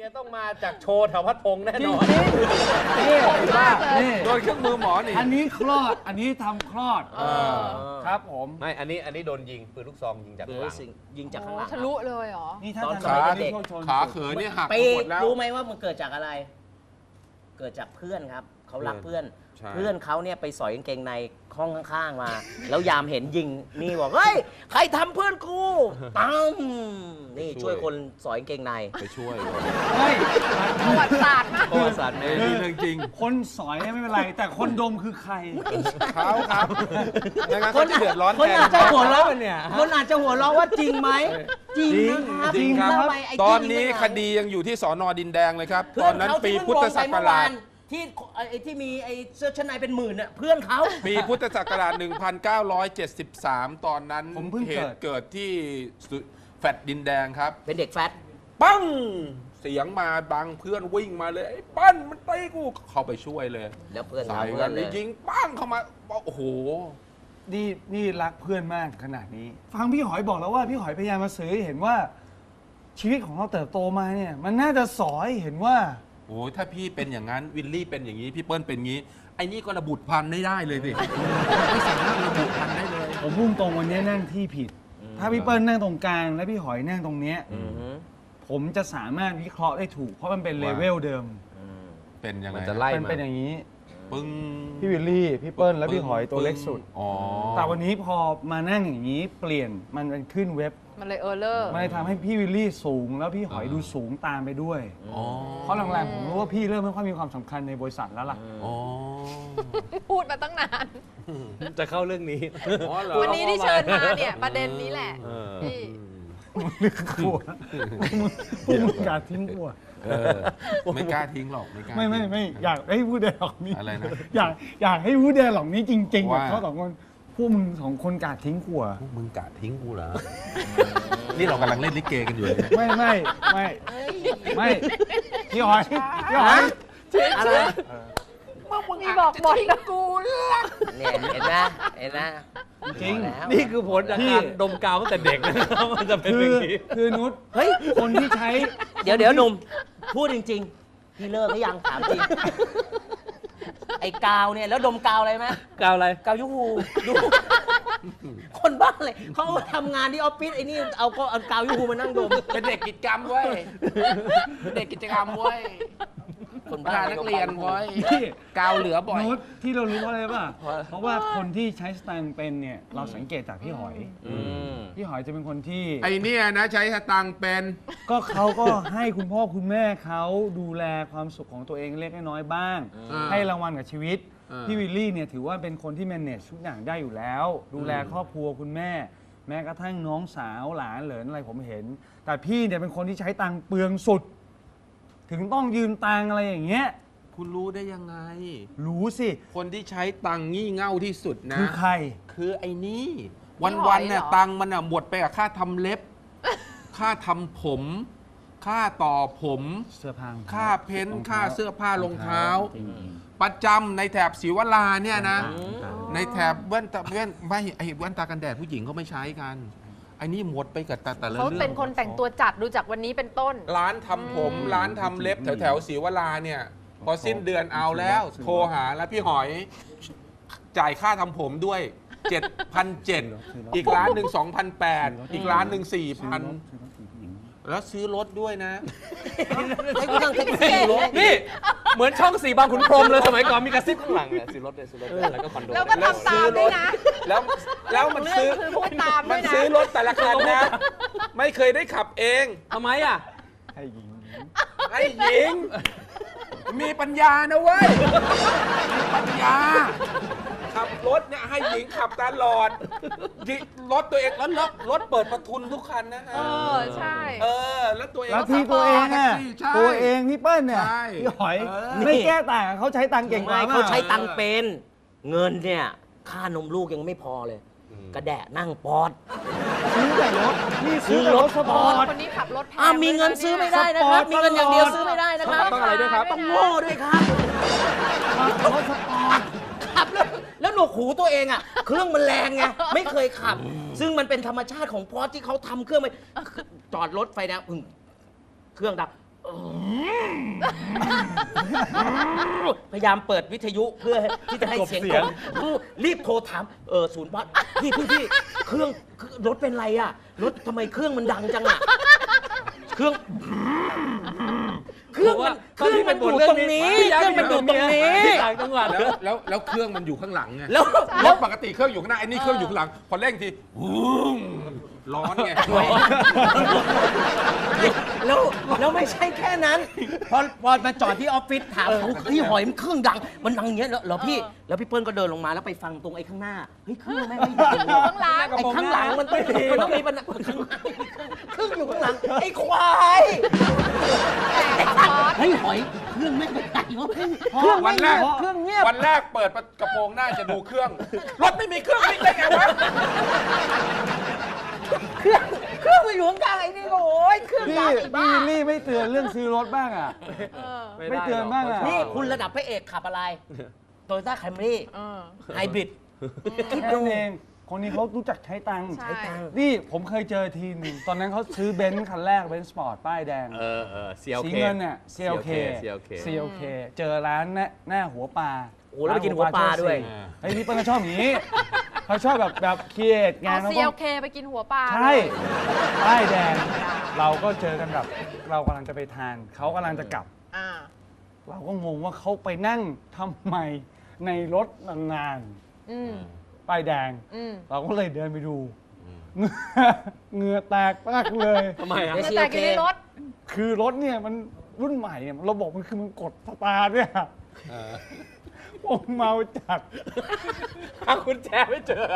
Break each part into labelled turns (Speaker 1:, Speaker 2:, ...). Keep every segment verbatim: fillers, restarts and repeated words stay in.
Speaker 1: ยต้องมาจากโชว์แถวพัดพงษ์แน่นอน
Speaker 2: นี่ว่านี่
Speaker 3: โดนเครื่องมือหมอนี่
Speaker 2: อันนี้คลอด อันนี้ทำคลอดครับผม
Speaker 1: ไม่อันนี้อันนี้โดนยิงปืนลูกซองยิงจาก
Speaker 4: หรื
Speaker 1: ห
Speaker 4: อ
Speaker 1: ลัง
Speaker 4: สิ่งยิงจากข้างหลัง
Speaker 5: ทะลุเลยเหรอ
Speaker 2: นี่ถ้า
Speaker 4: ตอน
Speaker 2: ทำ
Speaker 4: สมัย
Speaker 2: ขา
Speaker 4: เด็ก
Speaker 3: ขาเขินนี่หัก
Speaker 4: ไป
Speaker 3: หมดแล้ว
Speaker 4: รู้ไหมว่ามันเกิดจากอะไร เกิดจากเพื่อนครับเขารักเพื่อน
Speaker 3: ใช่
Speaker 4: เพื่อนเขาเนี่ยไปสอยกางเกงในห้องข้างๆมา แล้วยามเห็นยิงนี่บอกเฮ้ยใครทำเพื่อนกูตั้มนี่ช่วยคนสอยกางเกงใน
Speaker 3: ไปช่วย
Speaker 2: เฮ้ย
Speaker 5: ประวัติศาสตร์มาก
Speaker 1: ประวัติศาสตร์แม่
Speaker 3: นี่เรื่องจริง
Speaker 2: คนสอยไม่เป็นไร แต่คนดมคือใคร
Speaker 3: เขาครับไม่งั้นเขาจะเดือดร้อน
Speaker 4: คน
Speaker 3: แทน
Speaker 4: อาจจะหัวเราะ
Speaker 1: เนี่ย
Speaker 4: คนอาจจะหัวเราะว่าจริงไหมจริงนะครับ
Speaker 2: จริงครับ
Speaker 4: แล้วไปไ
Speaker 3: ตอนนี้
Speaker 4: จริง
Speaker 3: คดียังอยู่ที่สอนอดินแดงเลยครับ
Speaker 4: เพื่
Speaker 3: ต
Speaker 4: อ
Speaker 3: อน นนั้น
Speaker 4: เขา
Speaker 3: ปี
Speaker 4: ที่
Speaker 3: พุทธศักราช
Speaker 4: ที่ไอ้ที่มีไอ้เสื้อชั้นในเป็นหมื่นน่ะเพื่อนเขา
Speaker 3: ปีพุทธศักราช หนึ่งพันเก้าร้อยเจ็ดสิบสาม ตอนนั้น
Speaker 2: ผมเพิ่ง
Speaker 3: เห
Speaker 2: เกิด
Speaker 3: ตุเกิดที่สุแฟดดินแดงครับ
Speaker 4: เป็นเด็กแฟต
Speaker 3: ปั้ง เสียงมาดังเพื่อนวิ่งมาเลยไอ้ปั้นมันตีกูเข้าไปช่วยเลย
Speaker 4: แล้วเพื่อน
Speaker 3: ใส่
Speaker 4: ทำเพื่
Speaker 3: กั
Speaker 4: อน นเลย
Speaker 3: ยิงปั้งเข้ามาโอ้โห
Speaker 2: นี่นี่รักเพื่อนมากขนาดนี้ ฟังพี่หอยบอกแล้วว่าพี่หอยพยายามมาสื่อให้เห็นว่า ชีวิตของเราเติบโตมาเนี่ย มันน่าจะสอนให้เห็นว่า
Speaker 3: โอ้ยถ้าพี่เป็นอย่างนั้นวิลลี่เป็นอย่างนี้พี่เปิ้ลเป็นอย่างนี้ไอ้นี่ก็ระบุพันธุ์ไม่ได้เลยสิไม่สามารถระบุพันธุ์ได้เลย
Speaker 2: ผมพุ่งตรงวันนี้นั่งที่ผิด ถ้าพี่เปิ้ลนั่งตรงกลางและพี่หอยนั่งตรงเนี้ย
Speaker 4: อือฮึ
Speaker 2: ผมจะสามารถวิเคราะห์ได้ถูก เพราะมันเป็นเลเวลเดิม
Speaker 4: อืม
Speaker 3: เป็นยังไง
Speaker 1: มันจะไล่
Speaker 2: มัน
Speaker 1: มา
Speaker 2: เป็นอย่างนี้
Speaker 3: ปึ้ง
Speaker 2: พี่วิลลี่ พี่เปิ้ลและพี่หอยตัวเล็กสุด
Speaker 3: อ๋อ
Speaker 2: แต่วันนี้พอมานั่งอย่างนี้เปลี่ยนมันเป็นขึ้นเว็บ
Speaker 5: มันเลยเออร์เลอร์
Speaker 2: มันเลยทำให้พี่วิลลี่สูง แล้วพี่หอยดูสูงตามไปด้วย
Speaker 3: อ๋อ
Speaker 2: เพราะหลังๆผมรู้ว่าพี่เริ่มไม่ค่อยมีความสำคัญในบริษัทแล้วล่ะ
Speaker 3: อ๋อ
Speaker 5: พูดมาตั้งนาน
Speaker 1: จะเข้าเรื่องนี้
Speaker 3: อ๋อเหรอ
Speaker 5: วันนี้ที่เชิญมาเนี่ย ประเด็นนี้แหละ
Speaker 1: เออ
Speaker 5: พี่
Speaker 2: กลัวพวกมึงการทิ้งกลัว
Speaker 3: เออไม่กล้าทิ้งหรอกไม่กล้า
Speaker 2: ไม่ไม่ไม่อยากให้พูดแดร์หลอกนี้
Speaker 3: อะไรนะ
Speaker 2: อยากอยากให้พูดแดร์หลอกนี้จริงๆกับ
Speaker 3: ว่า
Speaker 2: เขาสองคนพวกมึงสองคนกาดทิ้งขว
Speaker 3: พวกมึงกะทิ้งกูเหรอ นี่เรากำลังเล่นลิเกกันอยู่เลย
Speaker 2: ไม่ไม่ไม่ไม่พี่หอยพี่หอย
Speaker 4: อะไร
Speaker 5: มีบอกหมดนะกู
Speaker 4: เนี่ยเห็นไหมเห็นไหม
Speaker 2: จริง
Speaker 4: บอกแล้ว
Speaker 1: นี่คือผลจากการดมกาวตั้งแต่เด็กนะมันจะเป็น
Speaker 2: คื
Speaker 1: อ
Speaker 2: อย่าง
Speaker 1: นี้
Speaker 2: คือนุช
Speaker 4: เฮ้ย
Speaker 2: คนที่ใช้
Speaker 4: เดี๋ยวเดี๋ยวหนุ่ม พูดจริง ๆ พี่เลิกหรือยังถามจริง ไอ้กาวเนี่ยแล้วดมกาวอะไรไหม
Speaker 1: กาวอะไร
Speaker 4: กาวยูฮูดูคนบ้าเลยเขาเอามาทำงานที่ออฟฟิศไอ้นี่เอาก็เอากาวยูฮูมานั่งดม
Speaker 3: เป็นเด็กกิจกรรมเว้ยเป็นเด็กกิจกรรมเว้ย
Speaker 4: คนบ้า
Speaker 3: พานักเรียนเว้ย
Speaker 2: ที่
Speaker 3: กาวเหลือบ่อย
Speaker 2: นุชที่เรารู้เพราะอะไรป่ะเพราะว่าคนที่ใช้สแตนด์เป็นเนี่ยเราสังเกตจากพี่หอย
Speaker 4: อืม
Speaker 2: พี่หอยจะเป็นคนที่
Speaker 3: ไอเนี่ยนะใช้สตังค์เป็น
Speaker 2: ก็เขาก็ให้คุณพ่อคุณแม่เขาดูแลความสุขของตัวเองเล็กน้อยบ้าง
Speaker 3: อ่า
Speaker 2: ให้รางวัลกับชีวิต
Speaker 3: อ่า
Speaker 2: พี่วิลลี่เนี่ยถือว่าเป็นคนที่ manage ทุกอย่างได้อยู่แล้ว ดูแลครอบครัวคุณแม่ แม้กระทั่งน้องสาวหลานเหลินอะไรผมเห็น แต่พี่เนี่ยเป็นคนที่ใช้ตังค์เปลืองสุด ถึงต้องยืมตังค์อะไรอย่างเงี้ย
Speaker 3: คุณรู้ได้ยังไง
Speaker 2: รู้สิ
Speaker 3: คนที่ใช้ตังค์งี่เง่าที่สุดนะ
Speaker 2: คือใคร
Speaker 3: คือไอ้นี่
Speaker 5: พี่หอ
Speaker 3: วัน
Speaker 5: ย
Speaker 3: ๆเนี่ย
Speaker 5: เหรอ
Speaker 3: ตังค์มันอ่ะหมดไปกับค่าทำเล็บ ค่าทำผม ค่าต่อผม
Speaker 2: เสื้อผ้า
Speaker 3: ค่าเพ้นท์
Speaker 2: รองเท้า
Speaker 3: ค่าเสื้อผ้ารองเท้า
Speaker 2: จริง
Speaker 3: ประจำในแถบศรีวราเนี่ยนะ ในแถบแว่นตาแว่นไม่ไอ้แว่นตากันแดดผู้หญิงเขาไม่ใช้กันไอ้นี่หมดไปกับแต่แต่ละ
Speaker 5: เขา
Speaker 3: เรื่อง
Speaker 5: เป็นคนแต่งตัวจัดดูจากวันนี้เป็นต้น
Speaker 3: ร้านทำผม ร้านทำเล็บแถวแถวๆศรีวราเนี่ย พอสิ้นเดือนเอาแล้ว โทรหาแล้วพี่หอย จ่ายค่าทำผมด้วย เจ็ดพันเจ็ดร้อย อีกร้านหนึ่ง สองพันแปดร้อย อีกร้านหนึ่ง สี่พัน แล้วซื้อรถด้วยนะ
Speaker 4: ให้กูนั่งแท็กซี่รถ
Speaker 1: นี่ เหมือนช่องสี่บางขุนพรหมเลยสมัยก่อนมีกระซิบข้างหลังเนี่ยซื้อรถเลยซื้อรถเลยแล้วก็คอนโด
Speaker 5: แล้วก็ทำตามด้วยนะ
Speaker 3: แล้วแล้วมัน
Speaker 5: เรื่
Speaker 3: ซื้อ
Speaker 5: องคือพูดตาม
Speaker 3: มั
Speaker 5: ด้วน ยนะ
Speaker 3: ซื้อรถแต่ละคันนะ ไม่เคยได้ขับเอง
Speaker 1: ทำไมอ่ะ
Speaker 2: ให้หญิง
Speaker 3: ไอ้หญิง มีปัญญานะเว้ย มีปัญญา ขับรถเนี่ยให้หญิงขับตลอดยิรถตัวเองแล้วรถรถเปิดประทุนทุกคันนะฮะ
Speaker 5: เออ ใช่
Speaker 3: เออ แล้วตัวเอง
Speaker 2: แล้ว
Speaker 3: ก็
Speaker 2: ที่ตัวเอง
Speaker 3: ขับ
Speaker 2: อ่ะ
Speaker 3: แท็กซี่ใช่
Speaker 2: ตัวเองพี่เปิ้ลเนี่ย
Speaker 3: ใช่
Speaker 2: พี่หอย
Speaker 3: เออ
Speaker 2: ไม่แก้ต่างเขาใช้ตังค์เก่งกว่า
Speaker 4: ไม่
Speaker 2: มาก
Speaker 4: เขาใช้ตังค์เป็น เงินเนี่ย ค่านมลูกยังไม่พอเลย กระแดะนั่งปอด
Speaker 2: ซื้อแต่รถนี่ซื้อแต่รถสปอร์ต
Speaker 5: คนนี้ขับรถแพง
Speaker 4: อ่ามีเงินซื้อไม่ได้นะครับ
Speaker 2: สปอร์ต
Speaker 4: มีเงินอย่างเดียวซื้อไม่ได้นะครับ
Speaker 1: ต้องอะไรด้วยครับ
Speaker 4: ต้องโง่ด้วยครับ
Speaker 2: รถสปอร์ต
Speaker 4: ขับแล้วแล้วหนวกหูตัวเองอ่ะ เครื่องมันแรงไง ไม่เคยขับ ซึ่งมันเป็นธรรมชาติของพอร์ตที่เขาทำเครื่องไปจอดรถไฟแดงอึ้งเครื่องดับ เอพยายามเปิดวิทยุเพื่อที่จะให้เสียง
Speaker 1: กลบเสียง
Speaker 4: กบรีบโทรถามเออศูนย์วัดพี่พี่พี่เครื่องรถเป็นไรอ่ะรถทำไมเครื่องมันดังจังอ่ะเครื่องเครื่องมันเครื่องมันอยู่ตรงนี้เครื่องมันอยู่ตรงนี้
Speaker 1: ต่างจังหวัด
Speaker 3: แล้วแล้วแล้วเครื่องมันอยู่ข้างหลังไง
Speaker 4: แล้ว
Speaker 3: ร
Speaker 4: แล้ว
Speaker 3: ถปกติเครื่องอยู่ข้างหน้าไอ้นี่เครื่องอยู่ข้างหลัง พอเร่งทีวู้งร้อนไง
Speaker 4: แล้วแล้วไม่ใช่แค่นั้น พอพอมาจอดที่ออฟฟิศถามเขาพี่หอยมันเครื่องดัง มันดังอย่างเงี้ยแล้วแล้วพี่แล้วพี่เปิ้ลก็เดินลงมาแล้วไปฟังตรงไอ้ข้างหน้าเฮ้ยเครื่องแม่งไม่ดัง
Speaker 5: อยู่ข้างหลัง
Speaker 4: ไอ้ข้างหลังมันไม่ดีมันต้องมีปัญหาเครื่องอยู่ข้างหลังไอ้ควายเฮ้ยหอยเครื่องแม่งไม่ดังวะเครื่อง
Speaker 3: วันแรก
Speaker 4: เครื่องเงียบ
Speaker 3: วันแรกเปิดกระโปรงหน้าจะดูเครื่อง รถไม่มีเครื่องวิ่งได้ไงวะ
Speaker 4: เครื่องเครื่องมันอยู่ข้างกลางไอ้นี่ก็โอ้ยเครื่อง
Speaker 2: พี่
Speaker 4: ดังไอ้
Speaker 2: พี่
Speaker 4: บ้า
Speaker 2: วิลลี่ไม่เตือนเรื่องซื้อรถบ้างอ่ะ
Speaker 5: เออ
Speaker 2: ไม่เตือนบ้างอะ
Speaker 4: นี่คุณระดับพระเอกขับอะไรโตโยต้าแคมรี่
Speaker 5: เออ
Speaker 4: ไฮบริด
Speaker 2: แค่นั้นเอง คนนี้เขารู้จักใช้ตังค์
Speaker 5: ใช่
Speaker 2: นี่ผมเคยเจอทีหนึงตอนนั้นเขาซื้อเบนซ์คันแรกเบนซ์สปอร์ตป้ายแดง
Speaker 1: เออเออ ซี แอล
Speaker 2: สี
Speaker 1: เค
Speaker 2: เงินเนี่ย ซี แอล เค
Speaker 1: ซี แอล เค
Speaker 2: ซี แอล เค เจอร้านหน้าหน้าหัวปลา
Speaker 4: โอ้โหแล้วไปกินหัวปลาด้วย
Speaker 2: เฮ้ยพี่เปิ้ลก็ชอบอย่างนี้ เขาชอบแบบแบบครีเอทงาน
Speaker 5: เอา
Speaker 2: เขา
Speaker 5: ซี
Speaker 2: ก็
Speaker 5: เอลเคไปกินหัวปลา
Speaker 2: ใช่
Speaker 5: เลย
Speaker 2: ป้ายแดง เราก็เจอกันแบบเรากำลังจะไปทาน เขากำลังจะกลับ
Speaker 5: อ่า
Speaker 2: เราก็งงว่าเขาไปนั่งทำไมในรถนาน
Speaker 5: อืม
Speaker 2: ๆป้ายแดง
Speaker 5: อืม
Speaker 2: เราก็เลยเดินไปดูเหงื่อเหงื่อแตกมากเลย
Speaker 1: ทำไมอ่ะ
Speaker 4: ไม่
Speaker 5: เมื่อ
Speaker 4: ซี
Speaker 5: แต่
Speaker 4: โอเค
Speaker 5: กินในรถ
Speaker 2: คือรถเนี่ยมันรุ่นใหม่เนี่ยระบบมันคือมันกดสตาร์ทเนี่ยผมเมาจัด
Speaker 1: หากุญแจไม่เจอ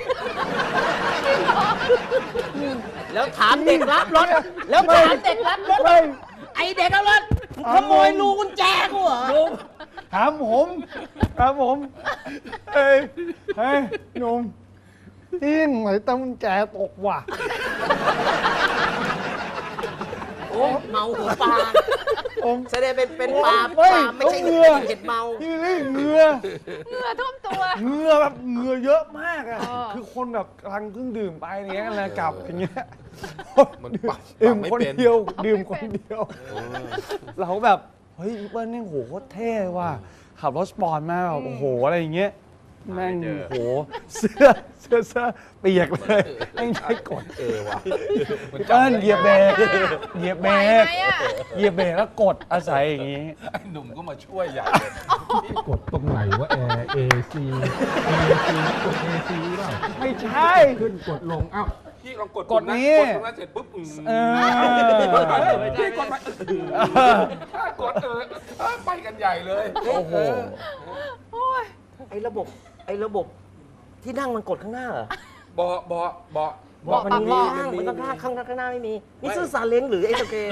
Speaker 4: แล้วถามเด็กรับรถ แล้วถามเด็กรับรถ
Speaker 2: ไม่
Speaker 4: ไอเด็กรับรถขโมยรูกุญแจกูเหรอ
Speaker 2: ถามผมถามผม เฮ้ย เฮ้ยหนุ่มที่ไหนตั้งกุญแจตกว่ะ
Speaker 4: โอ้เมาหัวปลา
Speaker 2: ผม
Speaker 4: แสดงเป็นเป็นปลาป
Speaker 2: เฮ้ย
Speaker 4: ลาไม่ใช่
Speaker 2: เหงื่อ
Speaker 4: เห็ดเมา
Speaker 2: พี่ลี่เหงื่อ
Speaker 5: เหงื่อท่วมตัว
Speaker 2: เหงื่อแบบเหงื่อเยอะมากอ่ะ
Speaker 5: เออ
Speaker 2: คือคนแบบกำลังเพิ่งดื่มไปอย่างเงี้ยแล้วกลับอย่างเงี้ย
Speaker 3: มันปรับ
Speaker 2: ดื่ม
Speaker 3: ปรับไม่
Speaker 2: คน
Speaker 3: เป็น
Speaker 2: เดียว ดื่มคนเดียว เราแบบ เฮ้ยอีเปิ้ลนี่โหโคตรเท่ว่ะขับรถสปอร์ตมาแบบโอ้โหอะไรอย่างเงี้ยแม่ง
Speaker 1: ไม่เจอ
Speaker 2: โอ้โหเสื้อเสื้อเสื้อเปียกเลยแม่งใช้กด
Speaker 3: เออว่ะ
Speaker 2: พี่เปิ้ลเหยียบเบรกเหยียบเบ
Speaker 5: ไหว
Speaker 2: รก
Speaker 5: ไหมอ่ะ
Speaker 2: เหยียบเบรกแล้วกดอาศัยอย่างงี้
Speaker 3: ไอ้หนุ่มก็มาช่วยใหญ่เลย
Speaker 6: กดตรงไหนว่าแอร์ เอ ซี เอ ซี กด เอ ซี เปล่า
Speaker 2: ไม่ใช่
Speaker 6: ขึ้นกดลง อ้าว
Speaker 3: พี่ลองกด
Speaker 2: กด
Speaker 3: ปุ่มะ
Speaker 2: นี้
Speaker 3: กดตรงนั้นเสร็จปุ๊บอืม
Speaker 2: เออ
Speaker 3: พี่กดไปกดเออเออไปกันใหญ่เลย
Speaker 2: โอ้โห
Speaker 4: ไอ้ระบบไอ้ระบบที่นั่งมันกดข้างหน้าเหรอ
Speaker 3: เบาะเบาะเบาะ
Speaker 5: เบาะ
Speaker 4: มัน
Speaker 5: ปรับ
Speaker 4: มี
Speaker 5: เบาะ
Speaker 4: ข้างมันต้องข้างข้างข้างหน้าไม่มีนี่ซื้อซาเล้งหรือไอ้สเก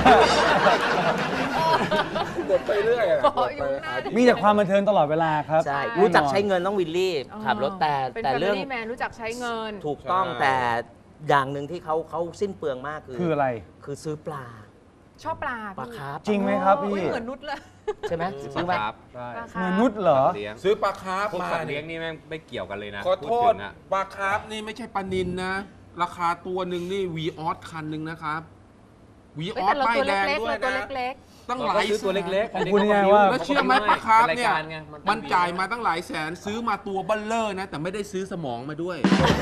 Speaker 3: กดไปเรื่อยอะ
Speaker 5: เบาะอยู่ข้างหน้า
Speaker 2: มีแต่ความบันเทิงตลอดเวลาครับ
Speaker 4: ใช่
Speaker 2: แน่นอน
Speaker 4: รู้จักใช้เงินต้องวิลลี่ขับรถแต่
Speaker 5: เป็น
Speaker 4: แต่
Speaker 5: แฟมิ
Speaker 4: เรื่อง
Speaker 5: ลี่แมนรู้จักใช้เงิน
Speaker 4: ถูกต้องแต่อย่างหนึ่งที่เขาเขาสิ้นเปลืองมากคือ
Speaker 2: คืออะไร
Speaker 4: คือซื้อปลา
Speaker 5: ชอบปลา
Speaker 4: ปลา
Speaker 5: พี่
Speaker 4: คาร์ฟ
Speaker 2: จริงไหมครับพี่
Speaker 5: อุ๊ยเหมือนนุชเลย
Speaker 4: ใช่ไหม
Speaker 1: ซื้
Speaker 4: ซื้
Speaker 1: อ
Speaker 4: อ
Speaker 1: ป
Speaker 4: ไหม
Speaker 1: ลาครับ
Speaker 5: ปลาคา
Speaker 2: เงิน
Speaker 5: ร์ฟ
Speaker 2: นุชเหรอ
Speaker 1: เลี้ยง
Speaker 3: ซื้อปลาคาร์ฟ
Speaker 1: พวก
Speaker 3: มา
Speaker 1: สัตว์เลี้ยง
Speaker 3: นี่
Speaker 1: นี่แม่งไม่เกี่ยวกันเลยนะ
Speaker 3: ขอโท
Speaker 1: พูด
Speaker 3: ษ
Speaker 1: ถึงอะ
Speaker 3: ปลาคาร์ฟนี่ไม่ใช่ปลานินนะ ราคาตัวหนึ่งนี่วีออสคันหนึ่งนะครับวีอ
Speaker 5: เอ้ย
Speaker 3: อส
Speaker 5: แต่เรา
Speaker 3: ป้าย
Speaker 5: ตัว
Speaker 3: แดง
Speaker 5: เล็กๆ
Speaker 3: ด้วย
Speaker 5: เราตัว
Speaker 3: นะ
Speaker 5: เล็ก
Speaker 3: ตั้งห
Speaker 1: เรา
Speaker 3: ลาย
Speaker 1: ก็ซื้อตัวเล็กๆ
Speaker 2: ของคุณยังไงว่า
Speaker 3: แล้วเชื่อไหมปลาคาร์ฟเนี่ย
Speaker 1: รายกไง
Speaker 3: มันจ่ายมาตั้งหลายแสนซื้อมาตัวเบัลเลอร์นะ แต่ไม่ได้ซื้อสมองมาด้วย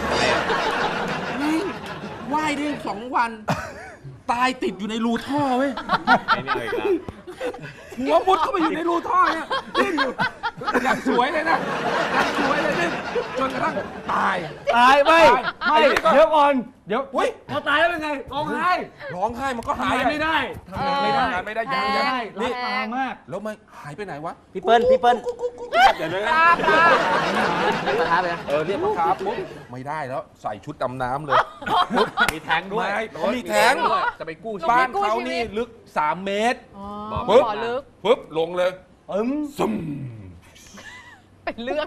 Speaker 3: ว่ายได้สองวัน ตายติดอยู่ในรูท่อเว้ย
Speaker 1: ไอ้นี่เอาอีกแล้ว
Speaker 3: หัวมุดเข้าไปอยู่ในรูท่อเนี่ยดิ้นอยู่อย่างสวยเลยนะอย่างสวยเลยดิ้นจนกระทั่งตาย
Speaker 2: ตายไม่
Speaker 3: ตาย
Speaker 2: ไม่
Speaker 3: ไอ้นี่ก็
Speaker 2: เดี๋ยวก่อน เดี๋ยว
Speaker 3: อุ๊ย
Speaker 2: พอตายแล้วเป็นไงร้องไห้
Speaker 3: ร้องไห้มันก็
Speaker 2: ทำ
Speaker 3: หาย
Speaker 2: งานไม่ได้ทำงานไม่ได้
Speaker 3: ทำงานไม่ได้
Speaker 5: แพ
Speaker 3: ยัง
Speaker 5: ง
Speaker 3: ยัง
Speaker 2: นี่
Speaker 3: นี่
Speaker 2: ตามาก
Speaker 3: แล้วมันหายไปไหนวะ
Speaker 4: พี่เปิ้ลพี่เปิ้ล
Speaker 3: เดี๋ยวนะ
Speaker 5: ๆปลาปลา
Speaker 4: ปลาคาร์ฟเลยนะ
Speaker 3: เออเรียกปลาคาร์ฟปุ๊บไม่ได้แล้วใส่ชุดดำน้ำเลย
Speaker 1: มีแท้งด้วย
Speaker 3: ไม่เขามีแท้ง
Speaker 1: ด้วยจะไปกู้ชี
Speaker 3: บ้า
Speaker 1: วิ
Speaker 3: น
Speaker 1: ต
Speaker 3: เขานี่ลึกสามเมตร
Speaker 5: อ๋อ
Speaker 1: บอก
Speaker 3: ปึ๊บ
Speaker 5: บ่อลึก
Speaker 3: ปุ๊บลงเลย
Speaker 2: อืม
Speaker 3: ซึม
Speaker 5: เป็นเรื่อง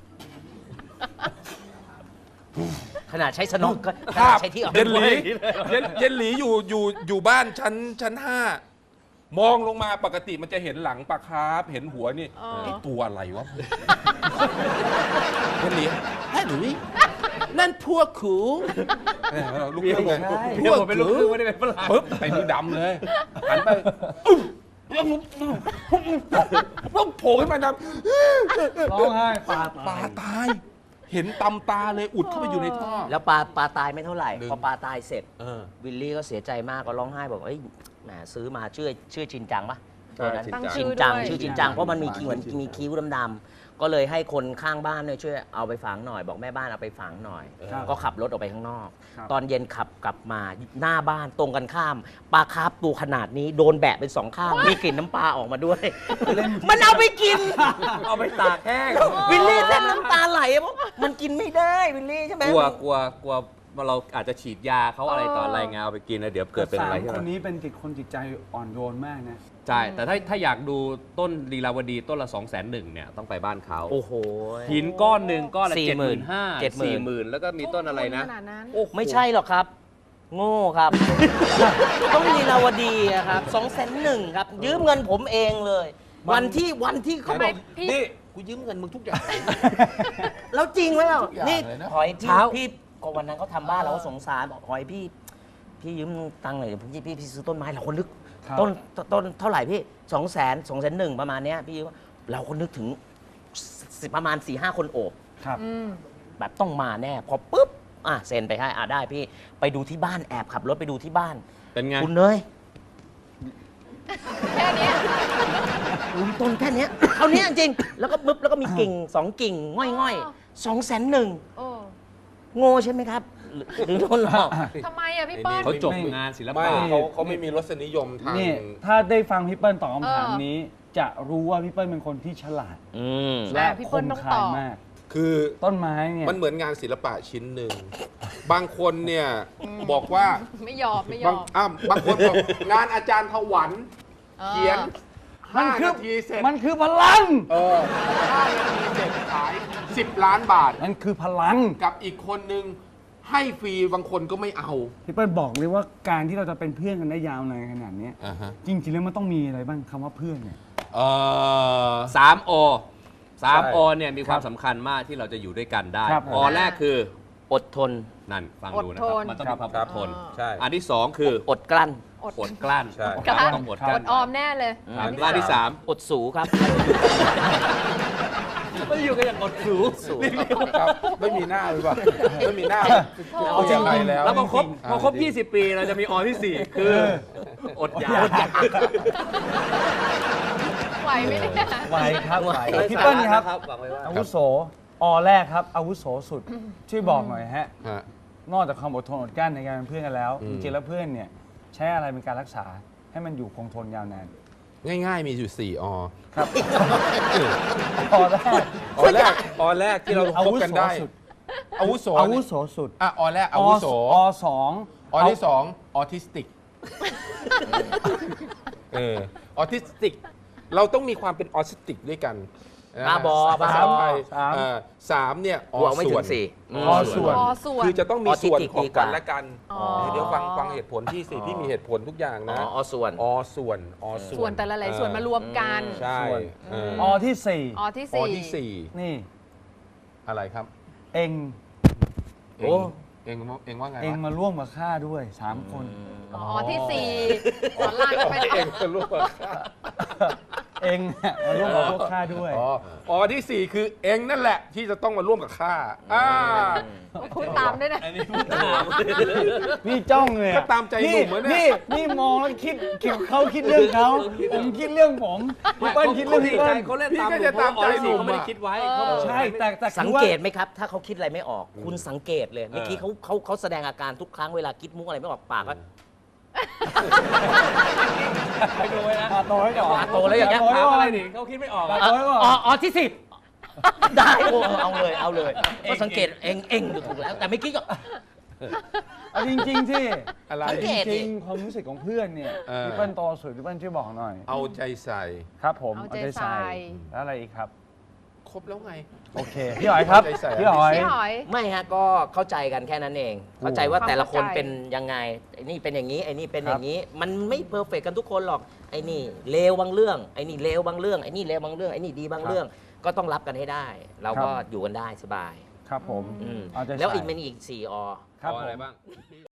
Speaker 4: ขนาดใช้สนอกก็ข
Speaker 3: ภา
Speaker 4: นาด
Speaker 3: พ
Speaker 4: ใช้ที่ออก
Speaker 3: เย็นหลีเย็นเย็นหลีอยู่อยู่อยู่บ้านชั้นชั้นห้ามองลงมาปกติมันจะเห็นหลังปลาคาร์ฟเห็นหัวนี่
Speaker 5: อ๋อ
Speaker 3: ไอ้ตัวอะไรวะเป็นเหลียแฮ่หนุ่ยนั่นพวกขูเออลูกครึ่งไง
Speaker 1: เมียผมเป็นลูกครึ่งไม่ได้เป็นฝรั่ง
Speaker 3: ปึ๊บไปดูดำเลยหันไปอึ๊บแล้วโผล่ขึ้นมาดำ
Speaker 2: ร้องไห้ปา
Speaker 3: ปลาตาย เห็นตำตาเลยอุดเข้าไปอยู่ในท่อ
Speaker 4: แล้วปลาปลาตายไม่เท่าไหร่
Speaker 3: หนึ่ง
Speaker 4: พอปลาตายเสร็จ
Speaker 3: เออ
Speaker 4: วิลลี่ก็เสียใจมากก็ร้องไห้บอกเอ้ยแหมซื้อมาชื่อชื่อชินจังปะ
Speaker 3: ใช่
Speaker 4: ตัวนั้น
Speaker 5: ตั้ง
Speaker 4: ชิ
Speaker 5: ชื่
Speaker 4: น
Speaker 5: อ
Speaker 4: จัง
Speaker 5: ด้วย
Speaker 4: ชื่อชินจังเพราะมันมีคิ้วเหมือนมีคิ้วดำๆก็เลยให้คนข้างบ้านเนี่ยช่วยเอาไปฝังหน่อย บอกแม่บ้านเอาไปฝังหน่อย
Speaker 2: ครับ
Speaker 4: ก็ขับรถออกไปข้างนอก
Speaker 2: ครับ
Speaker 4: ตอนเย็นขับกลับมาหน้าบ้านตรงกันข้ามปลาคาร์ฟตัวขนาดนี้โดนแบะเป็นสองข้างมีกลิ่นน้ำปลาออกมาด้วย มันเอาไปกิน
Speaker 1: เอาไปตากแห้ง
Speaker 4: วิลลี่แทบน้ำตาไหลเพราะมันกินไม่ได้วิลลี่ใช่ไหม
Speaker 1: กลัวกลัวกลัวว่าเราอาจจะฉีดยาเขาอะไรต่ออะไรไงเอาไปกินแล้วเดี๋ยวเกิดเป็นอะไร
Speaker 2: สาม
Speaker 1: ขึ้น
Speaker 2: คน
Speaker 1: มา
Speaker 2: นี้เป็นจิตคนจิตใจอ่อนโยนมากนะ
Speaker 1: ใช่แต่ถ้าถ้าอยากดูต้นลีลาวดีต้นละสองแสนหนึ่งเนี่ยต้องไปบ้านเขา
Speaker 4: โอ้โห
Speaker 1: หินก้อนหนึ่งก้อนละ
Speaker 4: สี่
Speaker 1: เจ็ด
Speaker 4: ห
Speaker 1: ห
Speaker 4: มื่
Speaker 1: มื่
Speaker 4: น
Speaker 1: นห้า
Speaker 4: เจ็ดหมื่น
Speaker 1: สี่หมื่นแล้วก็มีต้นอะไรนะ
Speaker 5: ขนาดนั้น
Speaker 1: โอ้โห
Speaker 4: ไม่ใช่หรอกครับ โง่ครับ ต้องลีลาวดีอะครับสองแสนหนึ่งครับ ยืมเงินผมเองเลย วันที่วันที่เขา
Speaker 5: ทำไม
Speaker 4: บอก
Speaker 5: พี่
Speaker 3: นี่กูยืมเงินมึงทุกอย่าง
Speaker 4: แล้วจริงไหมล่ะ
Speaker 3: ทุกอย่าง
Speaker 4: นี่
Speaker 3: เลยนะ
Speaker 4: หอยพี่
Speaker 1: เช้า
Speaker 4: พี่ก็วันนั้นเขาทำบ้านเราก็สงสารบอกหอยพี่ พี่ยืมตังค์หน่อยเดี๋ยวพี่พี่พี่ซื้อต้นไม้เราคนนึก
Speaker 2: ครับ
Speaker 4: ต้นต้นเท่าไหร่พี่สองแสนสองแสนหนึ่งประมาณเนี้ยพี่ยืมเราก็นึกถึงสิประมาณสี่ห้าคนโอบ
Speaker 2: ครับ
Speaker 5: อืม
Speaker 4: แบบต้องมาแน่ พอปุ๊บ อ่ะเซ็นไปให้อ่ะได้พี่ ไปดูที่บ้านแอบขับรถไปดูที่บ้าน
Speaker 1: เป็นไง
Speaker 4: คุณเนย
Speaker 5: แค่เนี้ย
Speaker 4: ลุมต้นแค่เนี้ยเท่านี้จริง แล้วก็ปึ๊บแล้วก็มีกิ่งสองกิ่ง ง่อยง่อยสองแสนหนึ่ง
Speaker 5: โอ้
Speaker 4: โง่ใช่ไหมครับ หรือหรือโดนหลอก
Speaker 5: ทำไมอ่ะพี่เปิ้ล
Speaker 1: เขาจบ
Speaker 2: ไม่
Speaker 1: งานศิล
Speaker 3: ไม่
Speaker 1: ปะ
Speaker 3: เขาเขาไม่มีรสนิยมทาง
Speaker 2: นี่ถ้าได้ฟังพี่เปิ้ลตอบคำถาม
Speaker 5: เออ
Speaker 2: นี้ จะรู้ว่าพี่เปิ้ลเป็นคนที่ฉลาด
Speaker 4: อืม
Speaker 2: และ
Speaker 5: พี่
Speaker 2: ค
Speaker 5: เปิ้ล
Speaker 2: ม
Speaker 5: ต้อง
Speaker 2: คา
Speaker 5: ต
Speaker 2: ย
Speaker 5: อบ
Speaker 2: มาก
Speaker 3: คือ
Speaker 2: ต้นไม้เนี่ย
Speaker 3: มันเหมือนงานศิลปะชิ้นหนึ่ง บางคนเนี่ยบอกว่า
Speaker 5: ไม่ยอมไม่ย
Speaker 3: บา
Speaker 5: อง ม
Speaker 3: อ้าวบางคนบอกงานอาจารย์ถวัน
Speaker 5: ออ
Speaker 3: เขียน
Speaker 2: มัน
Speaker 3: ห้า
Speaker 2: คือ
Speaker 3: นาทีเสร็จ
Speaker 2: มันคือพลัง
Speaker 3: เออห้านาทีเสร็จขายสิบล้านบาท
Speaker 2: มันคือพลัง
Speaker 3: กับอีกคนนึงให้ฟรีบางคนก็ไม่เอา
Speaker 2: พี่เปิ้ลบอกเลยว่าการที่เราจะเป็นเพื่อนกันได้ยาวนานขนาดเนี้ย
Speaker 3: อ่าฮะ
Speaker 2: จริงๆแล้วมันต้องมีอะไรบ้างคำว่าเพื่อนเนี่ย
Speaker 3: เออ
Speaker 1: สามโอสาม
Speaker 3: ใช่
Speaker 1: โอเนี่ยมีความสำคัญมากที่เราจะอยู่ด้วยกันได้
Speaker 2: ครับ
Speaker 1: อแรกคือ
Speaker 4: อดทน
Speaker 1: นั่นฟังดูนะค
Speaker 5: อ
Speaker 1: รับ
Speaker 5: ดทน
Speaker 1: มันต้องมีความ
Speaker 3: ครั
Speaker 1: อบ ดทน
Speaker 3: ใช่
Speaker 1: อันที่สองคือ
Speaker 4: อดกลั้น
Speaker 5: อด
Speaker 1: อดกลั้น
Speaker 3: ใช่
Speaker 5: กลั้น
Speaker 1: ต้องอดก
Speaker 5: อ
Speaker 1: ลั้น
Speaker 5: ดออมแน่เลย
Speaker 1: อันอันที่สาม
Speaker 4: อดสูครับ
Speaker 1: ไม่อยู่กันอย่างอดสู
Speaker 4: สู
Speaker 3: ครับไม่มีหน้าหรือเปล่าไม่มีหน้า
Speaker 5: โอ้
Speaker 3: เอาอย่างไรแล้ว
Speaker 1: แล้วพอครบ
Speaker 3: อ่า
Speaker 1: พอครบยี่สิบปีเราจะมีออที่สี่คืออดอยาก
Speaker 5: ไหวไหมเนี่ย
Speaker 2: ไหวครับไหว
Speaker 1: ไร้
Speaker 2: พี่
Speaker 1: สา
Speaker 2: เปิ้ล
Speaker 1: ระ
Speaker 2: ครับ
Speaker 1: นะครับหวังไว้ว่า
Speaker 2: อาวุโสอแรกครับ อาวุโสสุด ช่วยบอกหน่อยฮะ
Speaker 3: ฮะ
Speaker 2: นอกจากความอดทนอดกลั้นในการเป็นเพื่อนกันแล้ว
Speaker 3: อื
Speaker 2: จ
Speaker 3: ม
Speaker 2: ริงๆแล้วเพื่อนเนี่ยใช้อะไรเป็นการรักษาให้มันอยู่คงทนยาวนาน
Speaker 3: ง่ายๆมีอยู่สี่อ
Speaker 2: ครับอแรก
Speaker 3: อแรกอแรกที่เรา
Speaker 2: อา
Speaker 3: คบ
Speaker 2: วุ
Speaker 3: กัน
Speaker 2: โส
Speaker 3: ได้
Speaker 2: สุด
Speaker 3: อาวุโส
Speaker 2: อาวุโสสุด
Speaker 3: อ่ะอแรกอาวุโส
Speaker 2: อสอง
Speaker 3: อที่สองออทิสติกเออออทิสติก เราต้องมีความเป็นออทิสติกด้วยกันนะฮะ
Speaker 4: บ้าบอบ้า
Speaker 3: สาม
Speaker 4: บอ
Speaker 3: ไทย
Speaker 2: สาม
Speaker 3: เอ่อสามเนี่ยอบ
Speaker 4: วกไม่
Speaker 3: ส่
Speaker 4: ถึ
Speaker 3: วน
Speaker 4: งสี่
Speaker 2: อส่วน
Speaker 5: อส่วน
Speaker 3: คือจะต้องมีส่วน
Speaker 4: ออทิสติก
Speaker 3: ของ
Speaker 4: ดีก
Speaker 3: กั
Speaker 4: ว่า
Speaker 3: นและกัน
Speaker 5: อ๋อ
Speaker 3: เดี๋ยวฟังฟังเหตุผลที่สิ
Speaker 4: อ๋อ
Speaker 3: พี่มีเหตุผลทุกอย่าง
Speaker 4: อ๋
Speaker 3: นะ
Speaker 4: ออส่วน
Speaker 3: อส่วนอส่วน
Speaker 5: ส่วนแต่ละหลายส่วนมารวมกัน
Speaker 3: ใช่
Speaker 2: ส่วน
Speaker 3: เออ
Speaker 2: อที่สี่
Speaker 5: ออที่
Speaker 3: อ
Speaker 5: สี่
Speaker 3: ที่สี่
Speaker 2: นี่
Speaker 3: อะไรครับ
Speaker 2: เอง
Speaker 3: เองเองว่าเองว่าไง
Speaker 2: เอง
Speaker 3: วะ
Speaker 2: มาร่วมกับข้าด้วยสามคน
Speaker 5: อ๋อที่สี่สอนรามกันไป
Speaker 3: เองจะรู้ว่า
Speaker 2: เองเนี่ยมาร่วมกับพวกข้าด้วย
Speaker 3: อ๋ออ๋อที่สี่คือเองนั่นแหละที่จะต้องมาร่วมกับข้าอ่า
Speaker 5: พูดตามด้วยนะ
Speaker 1: อันนี้พูดตาม
Speaker 2: นี่จ้องเลยอะ
Speaker 3: ก็ตามใจหนุ่มอะเนี่ย
Speaker 2: นี่นี่มองแล้วคิดคิดเขาคิดเรื่องเขาผมคิดเรื่องผมพี่เปิ้ลคิดเรื่องพี่เปิ้ล
Speaker 1: เขาเล่น
Speaker 3: พี่
Speaker 1: ตาม
Speaker 3: ก็จะตามใจ
Speaker 1: หนุ่ม
Speaker 3: หนุ่ม
Speaker 1: เขาไม่ได้
Speaker 3: อะ
Speaker 1: คิดไว้
Speaker 5: เออ
Speaker 1: เขาบอก
Speaker 2: ใช่แต่แต่
Speaker 4: สัง
Speaker 2: คือว่า
Speaker 4: เกตไหมครับ ถ้าเขาคิดอะไรไม่ออก คุณสังเกตเลย เมื่อกี้เขาเขาเขาแสดงอาการทุกครั้งเวลาคิดมุกอะไรไม่ออกปากก็
Speaker 1: ไปดูไว้นะ
Speaker 2: ตาโตไว้ก่อน
Speaker 4: ตาโตแล้วอย่างเงี้ย
Speaker 2: ตโต
Speaker 1: ถาม
Speaker 2: ไว้ก่
Speaker 1: อะไร
Speaker 2: อน
Speaker 1: ดิเขาคิดไม่ออก
Speaker 2: ตา
Speaker 1: อะ
Speaker 2: โตไว้ก่อน
Speaker 4: อ๋ออ๋อที่สิบได้โอ้เอาเลยเอาเลยก็สังเกตเองเองถูกแล้ว แต่ไม่คิดก็
Speaker 2: เอาจริงๆที่
Speaker 3: อะไร
Speaker 4: สัง
Speaker 2: จ
Speaker 4: เกตดิ
Speaker 2: ริงๆความรู้สึกของเพื่อนเนี่ย
Speaker 3: เออ
Speaker 2: พี่เปิ้ลโตสุดพี่เปิ้ลช่วยบอกหน่อย
Speaker 3: เอาใจใส่
Speaker 2: ครับผม
Speaker 5: เอาใจใส่
Speaker 2: แล้วอะไรอีกครับ
Speaker 3: ครบแล้วไง
Speaker 2: โอเค พี่หอยครับ
Speaker 3: ใจแสบ
Speaker 2: พี่หอย
Speaker 5: พี่หอย
Speaker 4: ไม่ฮะก็เข้าใจกันแค่นั้นเอง เข้าใจว่าแต่ละคน
Speaker 5: เข้าใจ
Speaker 4: เป็นยังไงไอ้นี่เป็นอย่างนี้ไอ้นี่เป็น
Speaker 2: ครับ
Speaker 4: อย่างนี้ มันไม่เพอร์เฟกกันทุกคนหรอกไอ้นี่เลวบางเรื่องไอ้นี่เลวบางเรื่องไอ้นี่เลวบางเรื่องไอ้นี่ดีบางเรื่อง ก็ต้องรับกันให้ได้ เราก็อยู่กันได้สบาย
Speaker 2: ครับผม
Speaker 4: อืม
Speaker 2: เอาใจใส่
Speaker 4: แล้วอีกมันอีกสี่อ
Speaker 2: ครับ
Speaker 3: เอา
Speaker 2: ผ
Speaker 3: อะไร
Speaker 2: ม
Speaker 3: บ้าง